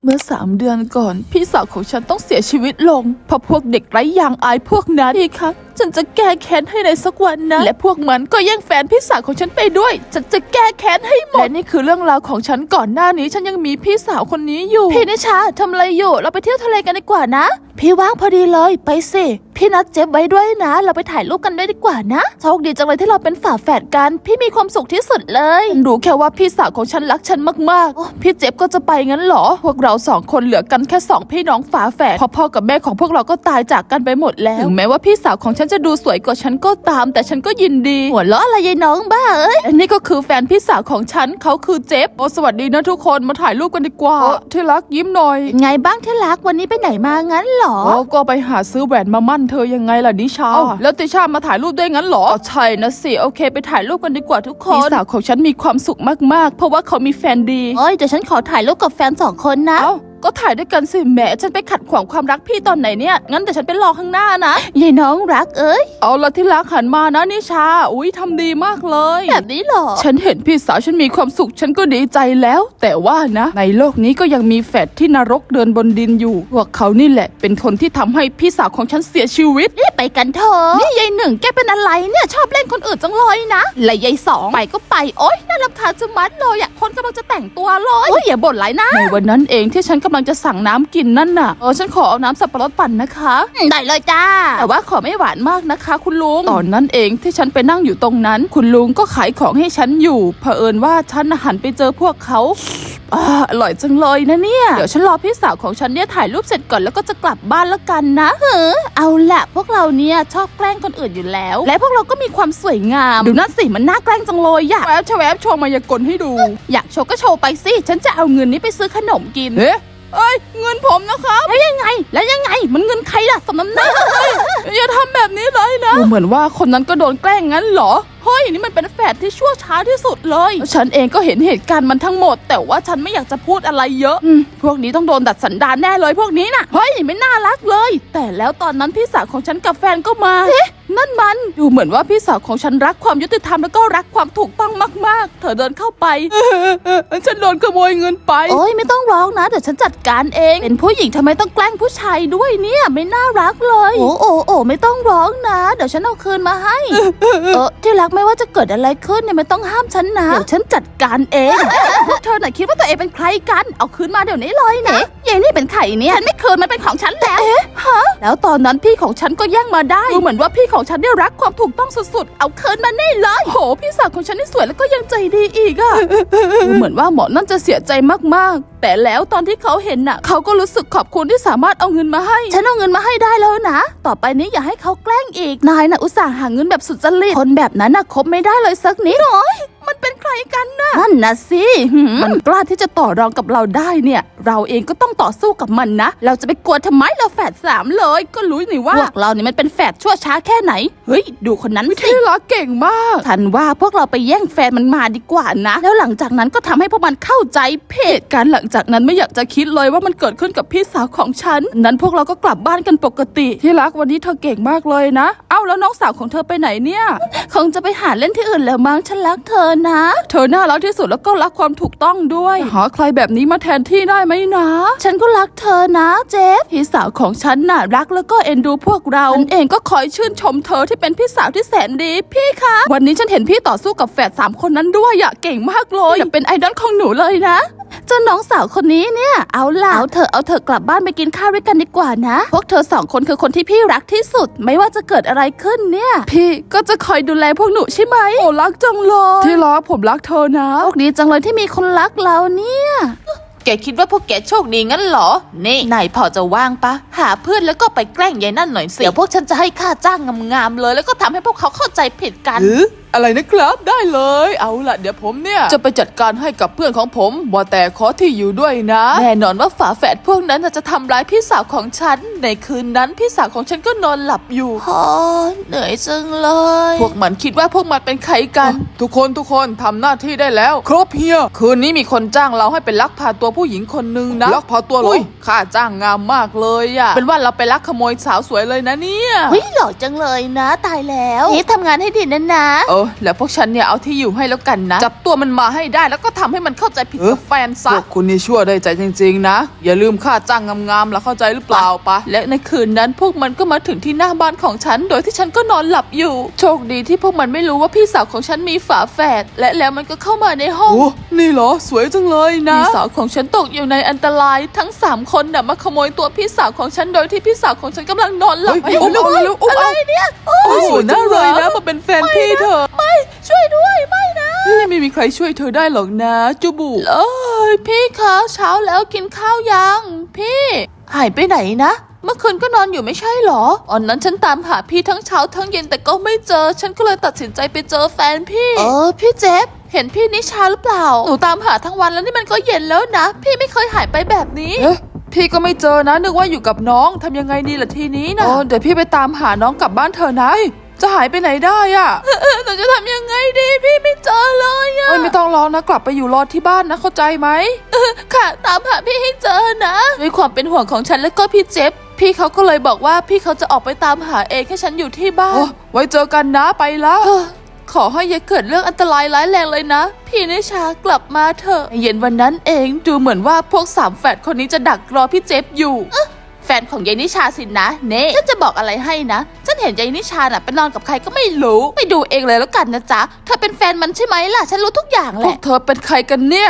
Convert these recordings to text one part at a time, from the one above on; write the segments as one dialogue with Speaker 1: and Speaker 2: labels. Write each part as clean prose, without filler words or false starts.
Speaker 1: เมื่อ3 เดือนก่อนพี่สาวของฉันต้องเสียชีวิตลงเพราะพวกเด็กไร้ยางอายพวกนั้นพี่คะฉันจะแก้แค้นให้ในสักวันนะและพวกมันก็แย่งแฟนพี่สาวของฉันไปด้วยฉันจะแก้แค้นให้หมดและนี่คือเรื่องราวของฉันก่อนหน้านี้ฉันยังมีพี่สาวคนนี้อยู่พี่นิชาทำอะไรอยู่เราไปเที่ยวทะเลกันดีกว่านะพี่ว่างพอดีเลยไปสิพี่นัดเจฟไว้ด้วยนะเราไปถ่ายรูปกันได้ดีกว่านะโชคดีจังเลยที่เราเป็นฝาแฝดกันพี่มีความสุขที่สุดเลยรู้แค่ว่าพี่สาวของฉันรักฉันมากๆพี่เจฟก็จะไปงั้นเหรอพวกเรา2 คนเหลือกันแค่2 พี่น้องฝาแฝดพ่อกับแม่ของพวกเราก็ตายจากกันไปหมดแล้วถึงแม้ว่าพี่สาวของฉันจะดูสวยกว่าฉันก็ตามแต่ฉันก็ยินดีหัวเราะอะไรยายน้องบ้าเอ้ยอันนี้ก็คือแฟนพี่สาวของฉันเขาคือเจฟสวัสดีนะทุกคนมาถ่ายรูปกันดีกว่าที่รักยิ้มหน่อยไงบ้างที่รักวันนี้ไปไหนมางั้นเหรอก็ไปหาซื้อแหวนมามั่นเธอยังไงล่ะนิชาแล้วติชามาถ่ายรูปด้วยงั้นเหรอใช่นะสิโอเคไปถ่ายรูปกันดีกว่าทุกคนพี่สาวของฉันมีความสุขมากๆเพราะว่าเขามีแฟนดีเดี๋ยวฉันขอถ่ายรูปกับแฟน2 คนนะก็ถ่ายด้วยกันสิแหมฉันไปขัดขวางความรักพี่ตอนไหนเนี่ยงั้นแต่ฉันไปรอข้างหน้านะยายน้องรักเอ้ยเอาละที่รักหันมานะนิชาอุ้ยทำดีมากเลยแบบนี้หรอฉันเห็นพี่สาวฉันมีความสุขฉันก็ดีใจแล้วแต่ว่านะในโลกนี้ก็ยังมีแฝดที่นรกเดินบนดินอยู่พวกเขานี่แหละเป็นคนที่ทำให้พี่สาวของฉันเสียชีวิตรีบไปกันเถอะนี่ยาย1แกเป็นอะไรเนี่ยชอบเล่นคนอื่นจังเลยนะและยาย2ไปก็ไปโอ๊ยน่ารำคาญจะมัดเลยอยากคนกำลังจะแต่งตัวเลยโอ๊ยอย่าบ่นไรนะในวันนั้นเองที่ฉันกำลังจะสั่งน้ำกินนั่นน่ะฉันขอเอาน้ำสับปะรดปั่นนะคะได้เลยจ้าแต่ว่าขอไม่หวานมากนะคะคุณลุงตอนนั้นเองที่ฉันไปนั่งอยู่ตรงนั้นคุณลุงก็ขายของให้ฉันอยู่เผอิญว่าฉันหันไปเจอพวกเขาอร่อยจังเลยนะเนี่ยเดี๋ยวฉันรอพี่สาวของฉันเนี่ยถ่ายรูปเสร็จก่อนแล้วก็จะกลับบ้านแล้วกันนะเอาละพวกเราเนี่ยชอบแกล้งคนอื่นอยู่แล้วและพวกเราก็มีความสวยงามดูนั่นสิมันน่าแกล้งจังเลยอยากแวบโชว์มายากลให้ดูอยากโชว์ก็โชว์ไปสิฉันจะเอาเงินนี้ไปซื้อขนมกินเอ้ยเงินผมนะครับแล้วยังไงมันเงินใครล่ะสมน้ำหน้าอย่าทำแบบนี้เลยนะเหมือนว่าคนนั้นก็โดนแกล้งงั้นเหรอเฮ้ยนี่มันเป็นแฝดที่ชั่วช้าที่สุดเลยฉันเองก็เห็นเหตุการณ์มันทั้งหมดแต่ว่าฉันไม่อยากจะพูดอะไรเยอะพวกนี้ต้องโดนดัดสันดานแน่เลยพวกนี้น่ะเฮ้ยไม่น่ารักเลยแต่แล้วตอนนั้นพี่สาวของฉันกับแฟนก็มานั่นมันดูเหมือนว่าพี่สาวของฉันรักความยุติธรรมแล้วก็รักความถูกต้องมากๆเธอเดินเข้าไปฉันโดนขโมยเงินไปโอ้ยไม่ต้องร้องนะเดี๋ยวฉันจัดการเองเป็นผู้หญิงทำไมต้องแกล้งผู้ชายด้วยเนี่ยไม่น่ารักเลยโอ้ไม่ต้องร้องนะเดี๋ยวฉันเอาคืนมาให้ที่รักไม่ว่าจะเกิดอะไรขึ้นเนี่ยไม่ต้องห้ามฉันนะเดี๋ยวฉันจัดการเองพวกเธอไหนคิดว่าตัวเองเป็นใครกันเอาคืนมาเดี๋ยวนี้เลยนะยายนี่เป็นใครเนี่ยฉันไม่คืนมันเป็นของฉันแล้วแล้วตอนนั้นพี่ของฉันก็แย่งมาได้ดูเหมือนว่าพี่ของฉันได้รักความถูกต้องสุดๆเอาคืนมาแน่เลยโหพี่สาวของฉันนี่สวยแล้วก็ยังใจดีอีกอะดูเหมือนว่าหมอนั่นจะเสียใจมากๆแต่แล้วตอนที่เขาเห็นน่ะเขาก็รู้สึกขอบคุณที่สามารถเอาเงินมาให้ฉันเอาเงินมาให้ได้แล้วนะต่อไปนี้อย่าให้เขาแกล้งอีกนายน่ะอุตส่าห์หาเงินแบบสุดจริตคนแบบนั้นน่ะคบไม่ได้เลยสักนิดโอ้ยมันเป็นใครกันน่ะนั่นนะสิมันกล้าที่จะต่อรองกับเราได้เนี่ยเราเองก็ต้องต่อสู้กับมันนะเราจะไปกลัวทำไมเราแฝด3เลยก็รู้นี่ว่าพวกเราเนี่ยมันเป็นแฝดชั่วช้าแค่ไหนเฮ้ยดูคนนั้นสิที่รักเก่งมากฉันว่าพวกเราไปแย่งแฟนมันมาดีกว่านะแล้วหลังจากนั้นก็ทำให้พวกมันเข้าใจผิดการหลังจากนั้นไม่อยากจะคิดเลยว่ามันเกิดขึ้นกับพี่สาวของฉันนั้นพวกเราก็กลับบ้านกันปกติที่รักวันนี้เธอเก่งมากเลยนะเอ้าแล้วน้องสาวของเธอไปไหนเนี่ยคงจะไปหาเล่นที่อื่นแล้วมั้งฉันรักเธอนะเธอน่ารักที่สุดแล้วก็รักความถูกต้องด้วยหาใครแบบนี้มาแทนที่ได้ไหมนะฉันก็รักเธอนะเจฟพี่สาวของฉันน่ะรักแล้วก็เอ็นดูพวกเราฉันเองก็คอยชื่นชมเธอที่เป็นพี่สาวที่แสนดีพี่คะวันนี้ฉันเห็นพี่ต่อสู้กับแฝด3 คนนั้นด้วยอะเก่งมากเลยอย่าเป็นไอดอลของหนูเลยนะเจ้าน้องสาวคนนี้เนี่ยเอาเธอกลับบ้านไปกินข้าวด้วยกันดีกว่านะพวกเธอ2 คนคือคนที่พี่รักที่สุดไม่ว่าจะเกิดอะไรขึ้นเนี่ยพี่ก็จะคอยดูแลพวกหนูใช่ไหมโอ้รักจังเลยที่รักผมรักเธอนะโชคดีจังเลยที่มีคนรักเราเนี่ยแกคิดว่าพวกแกโชคดีงั้นเหรอนี่นายพอจะว่างปะหาเพื่อนแล้วก็ไปแกล้งยายนั่นหน่อยสิเดี๋ยวพวกฉันจะให้ค่าจ้างงามๆเลยแล้วก็ทำให้พวกเขาเข้าใจผิดกันอะไรนะครับได้เลยเอาล่ะเดี๋ยวผมเนี่ยจะไปจัดการให้กับเพื่อนของผมว่าแต่ขอที่อยู่ด้วยนะแน่นอนว่าฝาแฝดพวกนั้นจะทำร้ายพี่สาวของฉันในคืนนั้นพี่สาวของฉันก็นอนหลับอยู่เหนื่อยจังเลยพวกมันคิดว่าพวกมันเป็นใครกันทุกคนทำหน้าที่ได้แล้วครบเฮียคืนนี้มีคนจ้างเราให้ไปลักพาตัวผู้หญิงคนนึงนะลักพาตัวเหรอค่าจ้างงามมากเลยอะเป็นว่าเราไปลักขโมยสาวสวยเลยนะเนี่ยเฮ้ยหล่อจังเลยนะตายแล้วนี่ทำงานให้ดีนะแล้วพวกฉันเนี่ยเอาที่อยู่ให้แล้วกันนะจับตัวมันมาให้ได้แล้วก็ทำให้มันเข้าใจผิดกับแฟนซะ
Speaker 2: พวกคุณนี่ชั่วได้ใจจริงๆนะอย่าลืมค่าจ้างงามๆแล้วเข้าใจหรือเปล่าปะ
Speaker 1: และในคืนนั้นพวกมันก็มาถึงที่หน้าบ้านของฉันโดยที่ฉันก็นอนหลับอยู่โชคดีที่พวกมันไม่รู้ว่าพี่สาวของฉันมีฝาแฝดและแล้วมันก็เข้ามาในห้อง
Speaker 2: โอ้นี่เหรอสวยจังเลยนะ
Speaker 1: พี่สาวของฉันตกอยู่ในอันตรายทั้ง3คนน่ะมาขโมยตัวพี่สาวของฉันโดยที่พี่สาวของฉันกำลังนอนหลับอะไรเนี่ย
Speaker 2: สวยน่าเลยนะมาเป็นแฟนพี่เธอ
Speaker 1: ไม่ช่วยด้วยไม่นะ
Speaker 2: ไม่มีใครช่วยเธอได้หรอกนะจูบุ
Speaker 1: พี่คะเช้าแล้วกินข้าวยังพี่หายไปไหนนะเมื่อคืนก็นอนอยู่ไม่ใช่หรอตอนนั้นฉันตามหาพี่ทั้งเช้าทั้งเย็นแต่ก็ไม่เจอฉันก็เลยตัดสินใจไปเจอแฟนพี่พี่เจฟเห็นพี่นิชาหรือเปล่าหนูตามหาทั้งวันแล้วนี่มันก็เย็นแล้วนะพี่ไม่เคยหายไปแบบนี้
Speaker 2: พี่ก็ไม่เจอนะนึกว่าอยู่กับน้องทำยังไงดีล่ะทีนี้นะเดี๋ยวพี่ไปตามหาน้องกลับบ้านเธอนะจะหายไปไหนได้อ่ะ
Speaker 1: หนูจะทำยังไงดีพี่ไม่เจอเลยอ่ะ
Speaker 2: ไม่ต้องร้องนะกลับไปอยู่รอที่บ้านนะเข้าใจไหม
Speaker 1: ค่ะตามหาพี่ให้เจอนะด้วยความเป็นห่วงของฉันและก็พี่เจฟพี่เขาก็เลยบอกว่าพี่เขาจะออกไปตามหาเองให้ฉันอยู่ที่บ้าน
Speaker 2: ไว้เจอกันนะไปแล้ว
Speaker 1: ขอให้อย่าเกิดเรื่องอันตรายร้ายแรงเลยนะพี่นิชากลับมาเถอะเย็นวันนั้นเองดูเหมือนว่าพวก3แฝดคนนี้จะดักรอพี่เจฟอยู่แฟนของยายนิชาสินะเน่ฉันจะบอกอะไรให้นะฉันเห็นยายนิชาน่ะไปนอนกับใครก็ไม่รู้ไปดูเองเลยแล้วกันนะจ๊ะเธอเป็นแฟนมันใช่ไหมล่ะฉันรู้ทุกอย่างแหละ
Speaker 2: พวกเธอเป็นใครกันเนี่ย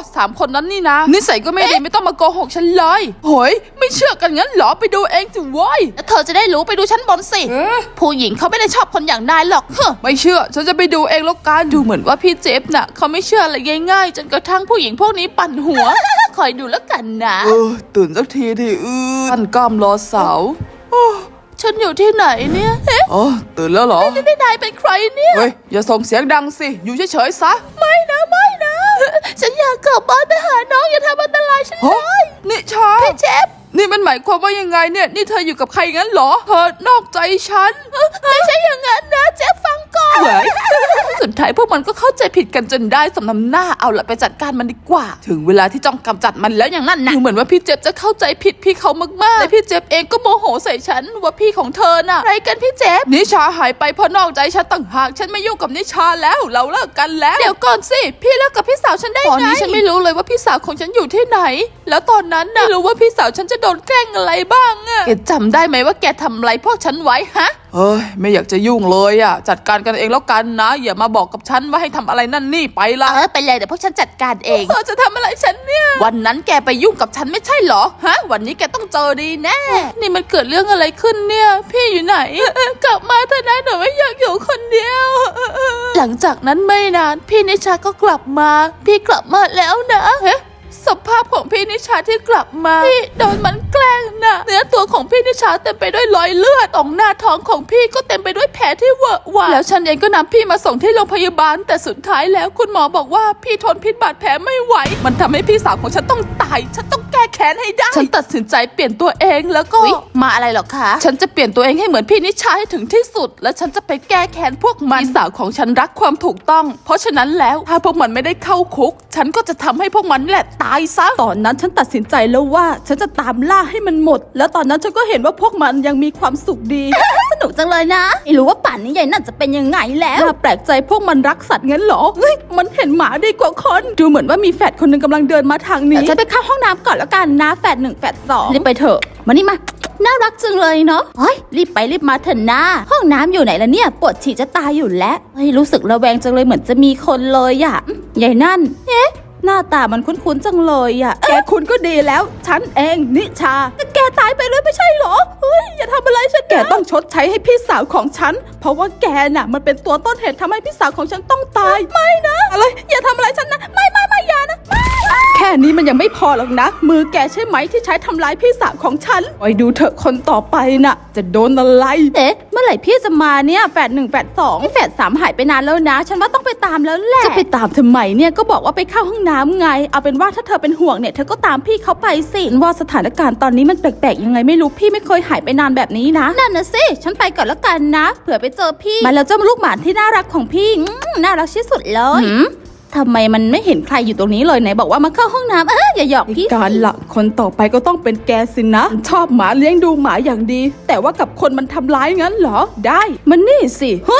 Speaker 2: 3 คนนั้นนี่นะนิสัยก็ไม่ดีไม่ต้องมาโกหกฉันเลยโหยไม่เชื่อกันงั้นเหรอไปดูเองสิว้ย
Speaker 1: แล้วเธอจะได้รู้ไปดูชั้นบนสิผู้หญิงเขาไม่ได้ชอบคนอย่างนายหรอก
Speaker 2: ไม่เชื่อฉันจะไปดูเองแล้วกัน
Speaker 1: ดูเหมือนว่าพี่เจฟน่ะเขาไม่เชื่ออะไรง่ายๆจนกระทั่งผู้หญิงพวกนี้ปั่นหัวคอยดูแล้วกันนะ
Speaker 2: ตื่นสักทีดิท่านกล้ามรอสาว
Speaker 1: ฉันอยู่ที่ไหนเนี่ย
Speaker 2: ตื่นแล้วเหรอ
Speaker 1: นี่นายเป็นใครเนี่ย
Speaker 2: เฮ้ยอย่าส่งเสียงดังสิอยู่เฉยๆซะ
Speaker 1: ไม่นะฉันอยากกลับบ้านไปหาน้องอย่าทำอันตรายฉันเลย
Speaker 2: นิชา
Speaker 1: พี่เจฟ
Speaker 2: นี่มันหมายความว่ายังไงเนี่ยนี่เธออยู่กับใครงั้นเหรอเธอนอกใจฉัน
Speaker 1: ไม่ใช่อย่างนั้นนะเจฟฟังก่อนสุดท้ายพวกมันก็เข้าใจผิดกันจนได้สำนำหน้าเอาละไปจัดการมันดีกว่าถึงเวลาที่จ้องกำจัดมันแล้วอย่างนั้นนะดูเหมือนว่าพี่เจฟจะเข้าใจผิดพี่เขามากๆและพี่เจฟเองก็โมโหใส่ฉันว่าพี่ของเธอน่ะอะไรกันพี่เจฟ
Speaker 2: นิชาหายไปเพราะนอกใจฉันต่างหากฉันไม่ยุ่งกับนิชาแล้วเราเลิกกันแล้ว
Speaker 1: เดี๋ยวก่อนสิพี่เลิกกับพี่สาวฉันได้ไงตอนนี้ฉันไม่รู้เลยว่าพี่สาวของฉันอยู่ที่ไหนแล้วตอนนั้นน่ะไม่รู้ว่าพี่สาวฉันจะโดนแกล้งอะไรบ้างอะแกจำได้ไหมว่าแกทำอะไรพวกฉันไว้ฮะ
Speaker 2: ไม่อยากจะยุ่งเลยอ่ะจัดการกันเองแล้วกันนะอย่ามาบอกกับฉันว่าให้ทำอะไรนั่นนี่ไปละ
Speaker 1: ไปเลยเดี๋ยวพวกฉันจัดการเองจะทำอะไรฉันเนี่ยวันนั้นแกไปยุ่งกับฉันไม่ใช่เหรอฮะวันนี้แกต้องเจอดีแน่นี่มันเกิดเรื่องอะไรขึ้นเนี่ยพี่อยู่ไหนกลับมาเถอะนะหนูไม่อยากอยู่คนเดียวหลังจากนั้นไม่นานพี่นิชาก็กลับมาพี่กลับมาแล้วนะสภาพของพี่นิชาที่กลับมาพี่โดนมันแกล้งนะเนื้อตัวของพี่นิชาเต็มไปด้วยรอยเลือดตรงหน้าท้องของพี่ก็เต็มไปด้วยแผลที่เวอะหวะแล้วฉันเองก็นำพี่มาส่งที่โรงพยาบาลแต่สุดท้ายแล้วคุณหมอบอกว่าพี่ทนพิษบาดแผลไม่ไหวมันทำให้พี่สาวของฉันต้องตายฉันต้องแก้แค้นให้ได้ฉันตัดสินใจเปลี่ยนตัวเองแล้วก็มาอะไรหรอคะฉันจะเปลี่ยนตัวเองให้เหมือนพี่นิชาให้ถึงที่สุดและฉันจะไปแก้แค้นพวกมันพี่สาวของฉันรักความถูกต้องเพราะฉะนั้นแล้วถ้าพวกมันไม่ได้เข้าคุกฉันก็จะทำให้พวกมันแหละตายซะตอนนั้นฉันตัดสินใจแล้วว่าฉันจะตามล่าให้มันหมดแล้วตอนนั้นฉันก็เห็นว่าพวกมันยังมีความสุขดี สนุกจังเลยนะไม่รู้ว่าป่านนี้ยายนั่นจะเป็นยังไงแล้วน่าแปลกใจพวกมันรักสัตว์งั้นเหรอมันเห็นหมาดีกว่าคนดูเหมือนว่ามีแฝดคนนึงกำลังเดินมาทางนี้ฉันไปเข้าห้องน้ำก่อนแล้วกันนะแฝด1แฝด2รีบไปเถอะมานี่มาน่ารักจังเลยเนาะรีบไปรีบมาเถอะนะห้องน้ำอยู่ไหนล่ะเนี่ยปวดฉี่จะตายอยู่แล้วรู้สึกระแวงจังเลยเหมือนจะมีคนเลยอ่ะยายนั่นหน้าตามันคุ้นๆจังเลยอ่ะแกคุ้นก็ดีแล้วฉันเองนิชาแกตายไปเลยไม่ใช่หรออย่าทำอะไรฉันแกต้องชดใช้ให้พี่สาวของฉันเพราะว่าแกน่ะมันเป็นตัวต้นเหตุทำให้พี่สาวของฉันต้องตายไม่นะอะไรอย่าทำอะไรฉันนะไม่อย่านะแค่นี้มันยังไม่พอหรอกนะมือแกใช่ไหมที่ใช้ทำร้ายพี่สาวของฉันคอยดูเถอะคนต่อไปน่ะจะโดนอะไรเมื่อไหร่พี่จะมาเนี่ยแฝด1แฝด2แฝด3หายไปนานแล้วนะฉันว่าต้องไปตามแล้วแหละจะไปตามทำไมเนี่ยก็บอกว่าไปเข้าห้องน้ำไงเอาเป็นว่าถ้าเธอเป็นห่วงเนี่ยเธอก็ตามพี่เขาไปสิว่าสถานการณ์ตอนนี้มันแปลกๆยังไงไม่รู้พี่ไม่เคยหายไปนานแบบนี้นะนั่นนะสิฉันไปก่อนแล้วกันนะเผื่อไปเจอพี่มาแล้วเจ้าลูกหมาที่น่ารักของพี่น่ารักที่สุดเลยทำไมมันไม่เห็นใครอยู่ตรงนี้เลยไหนบอกว่ามาเข้าห้องน้ำอย่าหยอกพี่การละคนต่อไปก็ต้องเป็นแกสินะชอบหมาเลี้ยงดูหมาอย่างดีแต่ว่ากับคนมันทำร้ายงั้นเหรอได้มันนี่สิเฮ้ย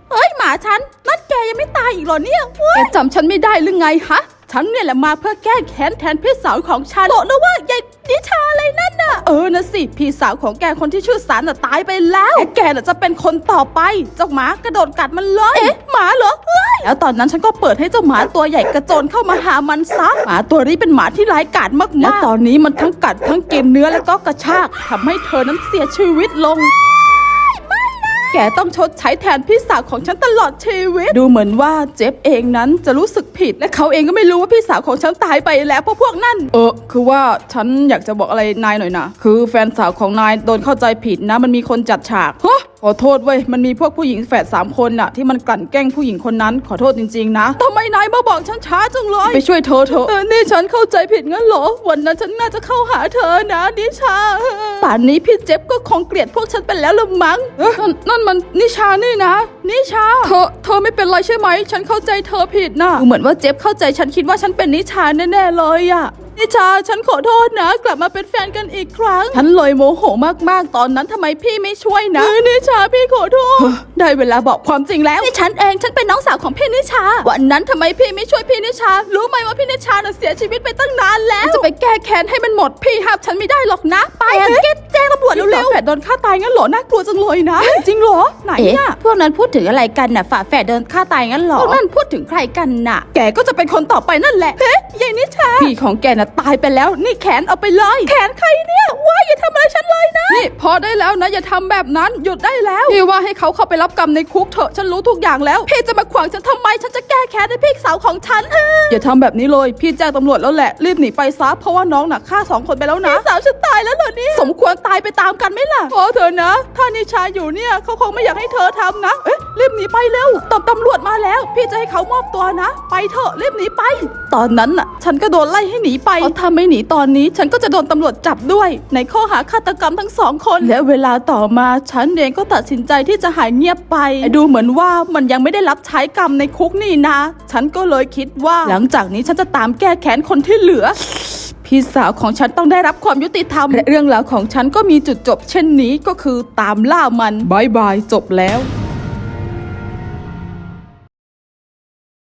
Speaker 1: เฮ้ยหมาฉันนั่นแกยังไม่ตายอีกเหรอเนี่ยแกจำฉันไม่ได้หรือไงฮะฉันเนี่ยแหละมาเพื่อแก้แค้นแทนพี่สาวของฉันบอกนะว่ายายนิชาอะไรนั่นน่ะนะสิพี่สาวของแกคนที่ชื่อสารน่ะตายไปแล้วและแกน่ะจะเป็นคนต่อไปเจ้าหมากระโดดกัดมันเลยหมาเหรอเฮ้ยแล้วตอนนั้นฉันก็เปิดให้เจ้าหมาตัวใหญ่กระโจนเข้ามาหามันซะหมาตัวนี้เป็นหมาที่ร้ายกาจมากๆและตอนนี้มันทั้งกัดทั้งกินเนื้อแล้วก็กระชากทำให้เธอนั้นเสียชีวิตลง แกต้องชดใช้แทนพี่สาวของฉันตลอดชีวิตดูเหมือนว่าเจฟเองนั้นจะรู้สึกผิดและเขาเองก็ไม่รู้ว่าพี่สาวของฉันตายไปแล้วเพราะพวกนั่นคือว่าฉันอยากจะบอกอะไรนายหน่อยนะคือแฟนสาวของนายโดนเข้าใจผิดนะมันมีคนจัดฉากขอโทษเว้ยมันมีพวกผู้หญิงแฝด3 คนน่ะที่มันกลั่นแกล้งผู้หญิงคนนั้นขอโทษจริงๆนะทำไมนายมาบอกฉันช้าจังเลยไปช่วยเธอเถอะนี่ฉันเข้าใจผิดงั้นเหรอวันนั้นฉันน่าจะเข้าหาเธอนะนิชาป่านนี้พี่เจฟก็คงเกลียดพวกฉันไปแล้วละมั้งนั่นมันนิชานี่นะนิชาเธอไม่เป็นไรใช่ไหมฉันเข้าใจเธอผิดนะเหมือนว่าเจฟเข้าใจฉันคิดว่าฉันเป็นนิชาแน่ๆเลยอะนิชาฉันขอโทษนะกลับมาเป็นแฟนกันอีกครั้งฉันเลยโมโหมากๆตอนนั้นทำไมพี่ไม่ช่วยนะนิชาพี่ขอโทษได้เวลาบอกความจริงแล้วนี่ฉันเองฉันเป็นน้องสาวของพี่นิชาวันนั้นทำไมพี่ไม่ช่วยพี่นิชารู้ไหมว่าพี่นิชาน่ะเสียชีวิตไปตั้งนานแล้วจะไปแก้แค้นให้มันหมดพี่ห้ามฉันไม่ได้หรอกนะไปแจ้งตำรวจเร็วๆฝาแฝดโดนฆ่าตายงั้นเหรอน่ากลัวจังเลยนะจริงเหรอไหนน่ะพวกนั้นพูดถึงอะไรกันน่ะฝาแฝดโดนฆ่าตายงั้นเหรอพวกนั้นพูดถึงใครกันน่ะแกก็จะเป็นคนต่อไปนั่นแหละเฮ้ยยายนิชาพี่ของแกน่ะตายไปแล้วนี่แขนเอาไปเลยแขนใครเนี่ยว้าอย่าทำอะไรฉันเลยนะนี่พอได้แล้วนะอย่าทำแบบนั้นหยุดได้แล้วพี่ว่าให้เขาเข้าไปรับกรรมในคุกเถอะฉันรู้ทุกอย่างแล้วพี่จะมาขวางฉันทำไมฉันจะแก้แค้นให้พี่สาวของฉันอย่าทำแบบนี้เลยพี่แจ้งตำรวจแล้วแหละรีบหนีไปซะเพราะว่าน้องน่ะฆ่า2 คนไปแล้วนะพี่สาวฉันตายแล้วเหรอเนี่ยสมควรตายไปตามกันไหมล่ะพอเถอะนะถ้านิชาอยู่เนี่ยเขาคงไม่อยากให้เธอทำนะรีบหนีไปเร็วตำรวจมาแล้วพี่จะให้เขามอบตัวนะไปเถอะรีบหนีไปตอนนั้นน่ะฉันก็โดนไล่ให้หนีไปเพราะถ้าไม่หนีตอนนี้ฉันก็จะโดนตำรวจจับด้วยในข้อหาฆาตกรรมทั้ง2 คนและเวลาต่อมาฉันเองก็ตัดสินใจที่จะหายเงียบไปดูเหมือนว่ามันยังไม่ได้รับใช้กรรมในคุกนี่นะฉันก็เลยคิดว่าหลังจากนี้ฉันจะตามแก้แค้นคนที่เหลือพี่สาวของฉันต้องได้รับความยุติธรรมและเรื่องราวของฉันก็มีจุดจบเช่นนี้ก็คือตามล่ามันบายบายจบแล้ว